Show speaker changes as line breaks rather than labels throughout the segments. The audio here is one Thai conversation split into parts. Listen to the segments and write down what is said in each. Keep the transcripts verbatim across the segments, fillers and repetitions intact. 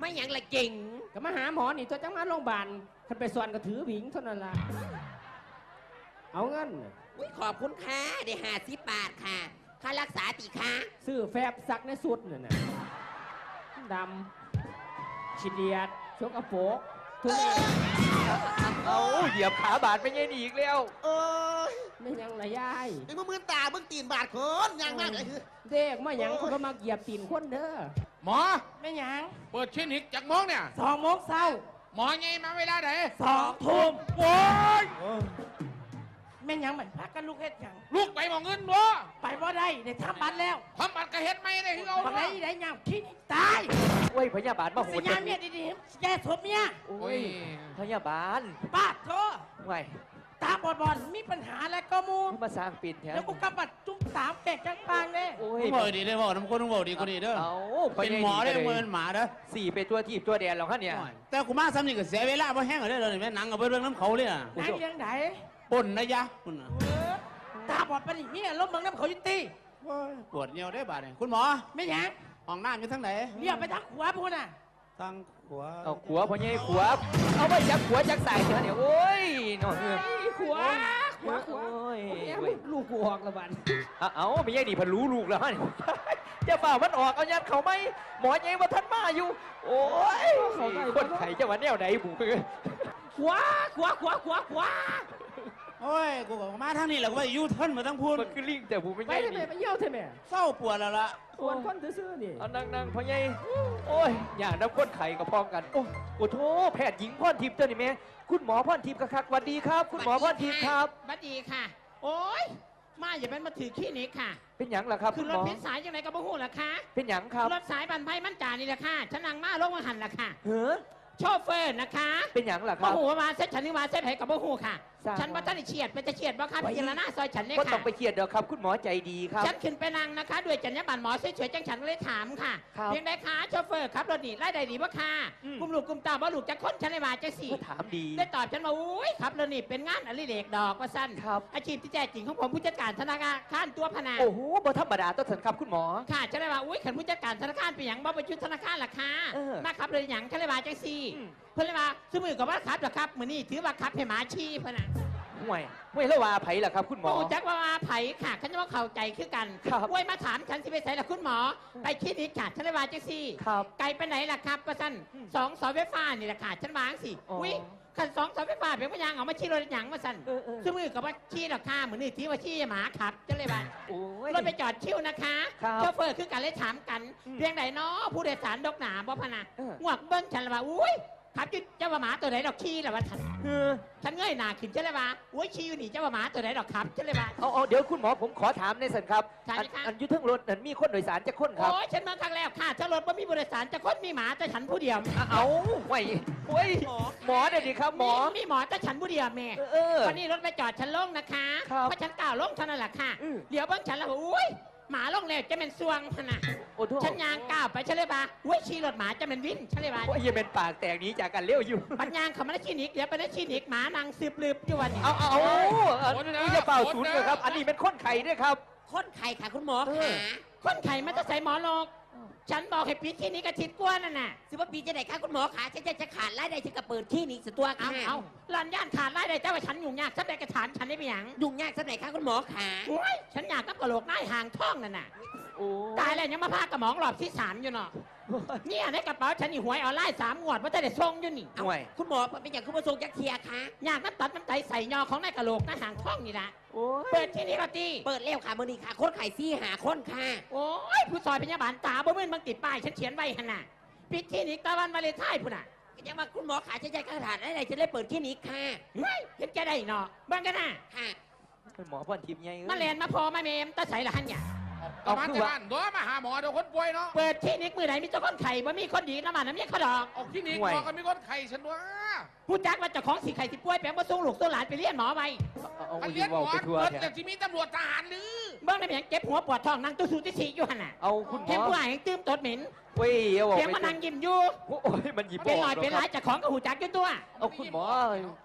ไม่ยังละเก่ง
ก็มาหาหมอนี่ตัวจังมาโรงพยาบาลคันไปสวนก็ถือหวิงเท่านั้นล่ะเอาเงิน
อุ้ยขอบคุณค่ะได้ห้าสิบบาทค่ะค่ารักษาตีค่ะ
ซื้อแฟบซักในสุดเนี่ยนะดำฉีดเดียดชกกระโปงทุเรศ
เอาเหยียบขาบาดไม่ยัยอีกแล้ว
เออ
ไม่ยังละยาย
ไอ้มึงมือตามึงตีนบาดคนยังมากเลยคือ
เด็กมายังคนมาเหยียบตีนคนเด้อ
หมอ
ไม่ยัง
เปิดคลินิกจากโมงเนี่ย
สองโมงเช้า
หมอไงมาเวลาไหน
สองทุ่ม
โว้ย
แม่ยังเหมือนพักกันลูกเฮ็ดยัง
ลูกไปมองเงินบ่
ไปบ่ได้เดี๋ยวทำบัตรแล้ว
ทำบัตรกระเฮ็ดไม่ได้ที่เอา
บัตรไหนได้ยังคิดตาย
โอ้ยพยาบาลมาโหด
สัญญาเมียดีๆแกสมเมีย
โอ้ยพยาบาล
ป้าโธ่
ไง
ตาบอดบอลมีปัญหาแล้วก็มู
มาสร้างปิดแถว
แล้วกูกำบัดจุ้งสามแกกจังปางเลย
โอ้ยบอกดีได้บอกน้ำคนต้องบอกดีกว่านี้เด้อเป็นหมอได้เงินหมาเด้อ
สี่ไปตัวทีบตัวแดนหรอกฮะเนี่ย
แต่กูมาซ้ำนี่ก็เสียเวลาเพราะแห้งเลยเลยแม่หนังกับเรื่องน้ำเขาเลยอ่ะ
ไหนยังไหน
ปนนะยะคุณ
ตาบอดปนิมีล้มบังน้ำเขายุติ
ปวดเนียวได้บาดเนี่ยคุณหมอ
ไม่ยัง
ห้องน้ำอยู่ทั้งไหน
เรียกไปทางขวาพูดน่ะ
ทางขวา
เอาขวาพอยัยขวาเอาไปจับขวาจักใส่เถอะเนี่ยโอ้ยนอนเลย
ขวาขวาขวาลูกกูออกละบัน
เอาไม่ยัยดีพันรู้ลูกแล้วฮะเนี่ยจะฝ่ามันออกเอายัดเขาไหมหมอยัยว่าท่านมาอยู่โอ้ยคนไข่จะมาแนวไหนบุก
ขวาขวาขวาขวาขวา
โอ้ยกูบอกมาทางนี้แหละกูว่ายูเทิร์นมาทั้งพูด
มันคือลิงแต่บุกไม่
ไปทำไมไปเยี่ยวทำไม
เศร้าปวดแล้วล่ะ
ปวดคนซื่อๆนี่
เอานั่งๆพ่อใหญ่โอ้ยอย่างน้ำข้นไข่กับพร้อมกันโอ้โอ้โถแพทย์หญิงพรทิพย์เจ้านี่แม่คุณหมอพรทิพย์คักๆสวัสดีครับคุณหมอพรทิพย์ครับ
สวัสดีค่ะโอ้ยมาอย่าเป็นมาถือขี้นี้ค่ะ
เป็นหยังล่ะครับ
คือรถพิษสายยังไงก็บ่ฮู้ล่ะค่ะ
เป็นหยังครับ
รถสายบันไพมันจ่านี่แหละค่ะฉันนั่งมาลงมาหันล่ะค่ะ
เฮ้อ
โชเฟอร์นะคะ
เป็นหยังล่ะครับ
บ่ฮู้ว่าเซ็ตฉันนี่ว่าเซ็ตให้กับบ่ฮู้ค่ะฉันว่าท่านเฉียดเป็นจะเฉียดบ่ครับพิจารณาซอยฉันเนี่ยค่ะ
ก็ต้องไปเฉียดเด้อครับคุณหมอใจดีครับ
ฉันขึ้นไปนั่งนะคะด้วยจรรยาบรรณหมอเฉยๆจังฉันเลยถามค่ะเพียงใดคะโชเฟอร์ครับรถนี่ไล่ได้ดีบ่ค่ะกลุ่มลูกกลุ่มตาบ่ลูกจะค้นฉันเลยว่าจะสี่
ถามดี
ได้ตอบฉันมาอุ้ยครับรถนี่เป็นงานอดิเรกดอกว่าสั้นอาชีพที่แท้จริงของผมผู้จัดการธนาคารตัวพนา
โอ้โหบ่ธรรมดาต้นสันครับคุณหมอ
ค่ะฉันเลยว่าอุ้ยขันผู้จัดการธนาคารเป็นอย่างบ่ประชุมธนาคารล่ะค่ะมาครับเลยอย่างฉันเลยว่าจังสี่เพื่อนเลยว่าสมือกับว่าครับหรอครับเหมือนนี่ถือว่าครับให้หมาชี้พนะ
ห่วยห่วยแล้วว่าไผ่ล่ะครับคุณหมอ
จักว่าว่าไผ่ค่ะฉันจะว่าเข้าใจคือกันห่วยมาถามฉันสิไปใส่ละคุณหมอไปคลินิกค่ะฉันเลยว่าจังสี่ไกลไปไหนล่ะครับก็สั้นสองเสาไฟฟ้านี่แหละค่ะฉันวางสิอุ้ยขันสองเสาไฟฟ้าเป็นพยางเอามาชี้รถหยังมาสั้นสมือกับว่าชี้หรอค่ะเหมือนนี่ถือว่าชี้หมาขับฉันเลยว่ารถไปจอดชิวนะคะโชเฟอร์คือกันเลยถามกันเพียงใดเนาะผู้โดยสารดกหนาบ่พนะงวกเบิ้งฉันเลยว่าอุ้ยครับเจ้าหมาตัวไหนดอกขี้ล่ะวะท่านฉันเงยหน้าขึ้นเจ้าเลยว่าโอ้ยขี้อยู่นี่เจ้าหมาตัวไหนดอกครับเจ้าเลยว่า
เอาเอาเดี๋ยวคุณหมอผมขอถามในสันครับอันยุทธงรถนั้นมีคนโดยสารจะคนครับ
โอ้ยฉันมาครั้งแรกค่ะถ้ารถว่ามีบริษัทจะคนมีหมาแต่ฉันผู้เดียว
เอาไว้โอ้ยหมอเดี๋ยวดีครับหมอ
มีหมอแต่ฉันผู้เดียวแม่วันนี้รถไปจอดฉันลงนะคะเพราะฉันกล่าวลงเท่านั้นแหละค่ะเดี๋ยวเบิ้งฉันแล้วโอ้ยหมาลงแล้วจะเป็นซวงพนะฉันยางก้าวไปฉันเลยว่าเว้ยชีรถหมาจะเป็นวินฉันเลยว่า
โอ้ยยังเป็นปากแตกนี้จากกันเลี้ยวอยู่
ปัญญาเขามาได้คลินิกเดี๋ยวไปได้คลินิกหมานางสืบลืบอยู่วันนี้
เอาเอานี่จะเป่าศูนย์เลยครับอันนี้เป็นคนไข่ด้วยครับ
คนไข่ค่ะคุณหมอค่ะ
คนไข่มันจะใส่หมอโลกฉันบอกให้ปิดที่นี้กระทิดกวนนั่นน่ะ
สิว่าปีจะไหนคะคุณหมอขาฉันจะจะขาดรายได้ฉันก็เปิดที่นี้สุดตัวค่ะ
เอาหลันย่านขาดรายได้เจ้าว่าฉันยุ่งยากฉันได้กระถานฉันได้ไปยัง
ยุ่งยากสักไหนคะคุณหมอขา
โอ้ยฉันอยากกับกระโหลกหน้าห่างท้องนั่นน่ะตายแล้วยังมาพากระหมองหลอบที่สามอยู่เนาะเนี่ยในกระเป๋าฉันนี่หวยออนไลน์สามงวดว่าจะได้ส่งอยู่นี่
คุณหมอเป็นอย่างคุณมาส่งยักเทียคะ
อยากน้ำตัดน้ำไตใส่ยอของในกระโหลกหน้าห่างท้องนี่นะเปิดที่นี่ก็ตี
เปิดเร็วค่ะมือนี้ค่ะคนไข่ซี่หาคนค่ะ
โอ้ยผู้ซอยพยาบาลตาบ่เมื่นบางติดป้ายฉันเขียนไว้ขนาดปิดที่นี่ตะวันวาเลนไทน์พุ่นน่ะ
ยังมาคุณหมอขาฉันใจกระถางอะไรฉันได้เปิดที่นี้ค่ะ
เฮ้ยเห็นแกได้เนาะบ้างกันนะ
ค่ะ
เป็นหมอพ่นทิพย์ไง
มาเรียนมาพอมาเมมตาใส่ละหันเนี่ย
เอาคือว่าตัวมาหาหมอเดี๋ยวคนป่วยเนาะ
เปิดที่นิกมือไหนมีเจ้าคนไข่บ่มีคนดีน้ำมันน้ำเยี่ยเขาดอก
ออกที่นิกหมอก็มีคนไข่ฉันว่า
ผู้จักว่าเจ้าของสีไข่สิป่วยแปลงมาส่งลูกส่งหลานไปเลี้ยงหมอไว้
เลี้ยงหมอเปิดแต่ที่มีตำรวจทหารหรือ
เบื้องในเพียงเจ็บหัวปวดท้องนั่งตู้สูที่สี่อยู่หันน่ะ
เอาคุณหมอ
เห็นผู้หญิงตื้มตดเหม็น
เว้ย
เสียงมันนั่งยิ้มอยู่
โอ้ยมันหยิบ
เป็นหน่อยเป็นร้ายจากของกับหูจักอยู่ตัว
เอาคุณหมอ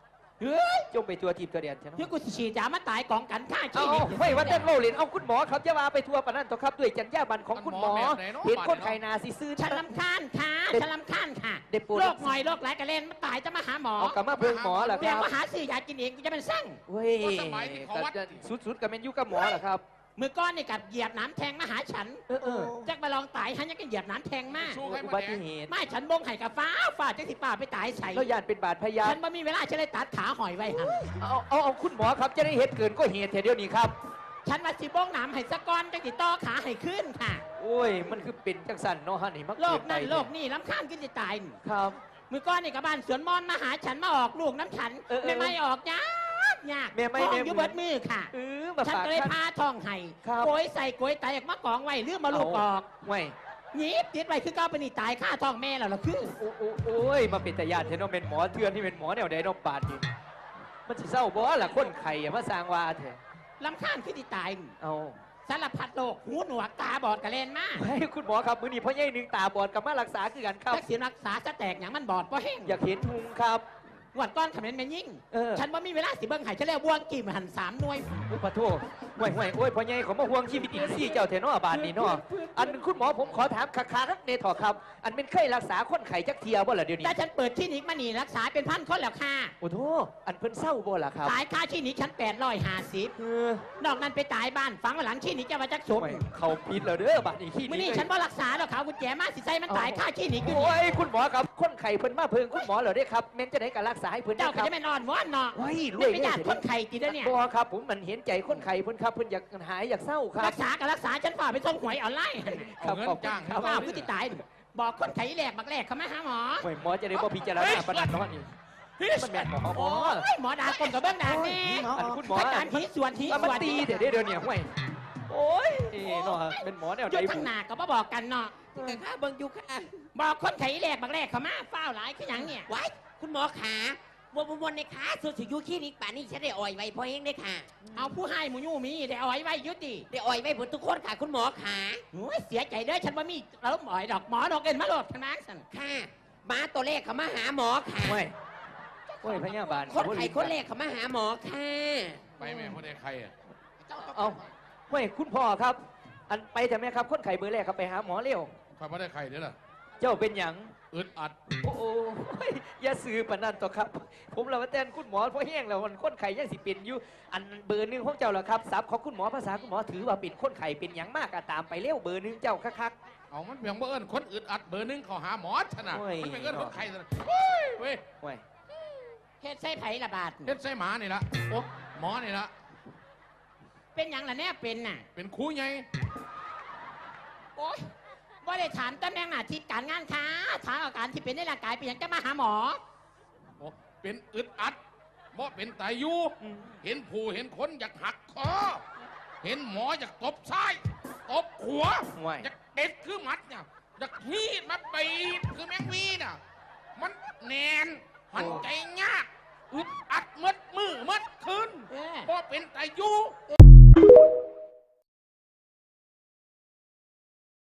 เฮ้ย
จงไปทัวทีมตัวเดียนใช่ไหม
ที่กูสิฉีดยามาตายกองกันฆ่าชี
เอา
วิต
ไม่ว่าแต่โลลินเอาคุณหมอครับจะมาไปทัวร์ปะนั่นต่อครับด้วยจัญญาบันของคุณหมอ เห็นคนไข้นาซีซื่อ
ฉันลำคาญค่ะฉันลำคาญค่ะ
เด็กปูน
โรคหน่อยโรคหลายกระเล่นมาตายจะมาหาหมอ
เอากลับมาเพิ่งหมอเหรอค
เรีย
รั
ก
บ
ว่าหาซื้อยากินเองกูจะเป็นสั่ง
เว้ยสุดๆกับเมนยูกับหมอเหรอครับ
มือก้อนนี่กับเหยียบน้ำแทงมาหาฉัน
เออเออ
จักมาลองตายฉันยังก็เหยียบน้ำแทงมาก
อุบัติเหตุ
ไม่ฉันบงไห้กับฟ้าฟ้าจักสิป่าไปตายใส่
แล้วยานเป็นบาดพยา
ฉันไม่มีเวลาฉันเลยตัดขาหอยไว้หัน
เอาเอาเอาคุณหมอครับจะได้เหตุเกินก็เหตุเดียวนี้ครับ
ฉันมาสิบงน้ำให้สะก้อนจักสิต่อขาให้ขึ้นค่ะ
โอ้ยมันคือเป็นจังสันเนาะฮะนี่มัก
โล
เกิ
ก
นไป
นั่นโลกนี่ล้ำข้ามกินจะตาย
ครับ
มือก้อนนี่กับบ้านสวนมอนมาหาฉันมาออกลูกน้ำฉัน
เออเออ
ไม่ไม่ออกยากยาก
แม่ไม่
ท้อง
แม่
อยู่เบิดมือค่ะ
เออมา
ฉัน
ฝาก
ก็เลย
ท่าน
พาท้องให้
ครับ
โกยใส่โกยไตออกมากองไว้เรื่องมาลูกออก
ไม่
หนีบติดไว้คือก้าวไปนี่ตายฆ่าท้องแม่แล้วล่ะคือ
โอ้โอ้โอ้ยมาเป็นแต่ญาติเทนอเป็นหมอเทือนที่เป็นหมอแนวใดเนอกบาดนี่มันสิเศร้าบ่ล่ะคนไข่อะมาสร้างว่าเถอะ
ลำข้ามคือที่ตาย
เอา
สารพัดโรคหูหนวกตาบอดกระเลนมาก
ให้คุณหมอครับมื้อนี้พ่อใหญ่หนึ่งตาบอดกลับมารักษาคือกันครับ
ทักษิณรักษาจะแตกอย่างมันบอดเพราะแห้ง
อยากเห็นทุงครับ
หวัดก้อนขมิ้นแม่ยิ่ง
เออ
ฉันว่ามีเวลาสิเบิ้งไห้ฉันเรียกบวงกี่มหันสามหน่วย
อุปโทษห่วยห่วยโอ้ยพ่อใหญ่เขามาห่วงชีวิตอินซี่เจ้าเทนอบาดนี่เนาะอันคุณหมอผมขอถามคาคาๆครับเนทอครับ อันเป็นเคยรักษาคนไข้จักเทียบ่ล่ะเดี๋ยวนี้
แต่ฉันเปิดคลินิกมานี่รักษาเป็นพันคนแล้วค่ะ
โอ้โทอันเพิ่นเศร้าบ่ล่ะครับ
ตายค่าคลินิกฉันแปดร้อยห้าสิบ
เออน
อกนั้นไปตายบ้านฝังไว้หลังคลินิกจะมาจักศพ
ห่วยเขาผิดแล้วเด้อบาดนี้ขี้
มื่อนี้ฉันบ่รักษาหรอกเขากุญแจมาสิใส่มันตายค่าคลินิกอยู่
โอ้
นี่
ยคุณหมอครับคนไข้เพิ่นมาเพิ่งคุณหมอเหรอเด้ครับแม่นจะได้การรักษาให้เพิ่น
เจ้า
ค
ก็
รับ
จะไม่นอนวอนเนาะ
ว้ายรว
นี่
ย
เป็นญาติคนไข้ติดแล้วเนี่ย
บ่ครับผมมันเห็นใจคนไข้เพิ่นครับเพิ่นอยากหายอยากเศร้าครั
รับ กษากับรักษาฉันฝ่าไปส่งหวยออนไลน์
เอาเงินจ้าง
ครับ
ฝ่าผู้ที่ตายบอกคนไข้แหลกบักแหลกเขามาหาหมอ
โอ้ยหมอจะได้บ่พิจารณาปานนั้นเนาะนี่มันแม่นหมอหม
โอ้
อย
หมอดาคนกับเบิ้งดาแน่
อันคุณหมอ
อาจารย์หีส่วนหี
แล้ว
ส่
มัน
วน
ตีเดี๋ยวเดี๋ยวเนี่ยห่วยโอ้ยเนาะเป็นหมอแนว
อ
ใด
ยุดทั้งหน้าก็บ่บอกกันเนาะ
แต่ข้าเบิ่งอยู่ค่ะ
บอกคนไข้แหลกบักแหลกเขามาเฝ้าหลายคือหยังเนี่ย
ไว้คุณหมอขาวนวนๆในขาสุดสิอยูคลินิกป่านนี้ฉันได้อ่อยไว้พอเองได้ค่ะ
เอาผู้ให้หมูยู่มีได้เอาไว้ไว้ยุติ
ได้อ่อยไว้หมดทุกคนค่ะคุณหมอขา
โอ้ยเสียใจเด้อฉันว่ามีเราหมอยดอกหมอดอกเอ็นมาโหลดทางนั้นสัน
ค่ะมาตัวเลขเขามาหาหมอค่ะ
ห่วยโอ้ยพยาบาล
คนไข้คนเลขเขามาหาหมอค่ะ
ไปแม่พ่อได้ใครอ่ะ
เอาห่วยคุณพ่อครับ อันไปแต่แม่ครับคนไข้เบอร์แรกครับไปหาหมอเร็ว
ใครพ่อได้ใครเด้อล่ะ
เจ้าเป็นหยัง
อึดอัด
โอ้โหอย่าซื้อปานนั้นต่อครับ ผมเราแทนคุณหมอเพราะแห้งแล้วมันคนไข้ยังสิเป็นอยู่อันเบอร์หนึ่งของเจ้าเหรอครับซับของคุณหมอภาษาคุณหมอถือว่าเป็นคนไข้เป็นหยังมากอะตามไปเร็วเบอร์หนึ่งเจ้าคัก
เอามันเพียงบ่เอิญคนอึดอัดเบอร์หนึงเขาหาหมอชนะ
โอ้ย
มันเป็นเอิญคนใครซะนะเฮ้ยเว้ย
ๆห่วย
เฮ็ดใส่ไผ่ระบาด
เฮ็ดใส่หมานี่ละโอ้หมอนี่ละ
เป็นหยังล่ะแน่เป็นน่ะ
เป็นครูไง
โอ๊ยว่าได้ถามตำแหน่งหน้าที่การงานค้าถามอาการที่เป็นในร่างกายเป็นหยังจะมาหาหมอ
โอ้เป็นอึดอัดบ่เป็นตายอยู่ เห็นผู้เห็นคนอยากหักคอ เห็นหมออยากตบซ้าย ตบขวา
ห่วย
อยากเด็ดคือหมัดเนี่ยอยากฮีดมาปีดคือแมงวีน่ะ มันแนนหันใจยากอึดอัดมัดมือมัดคืน
เออ
บ่เป็นตาอยู่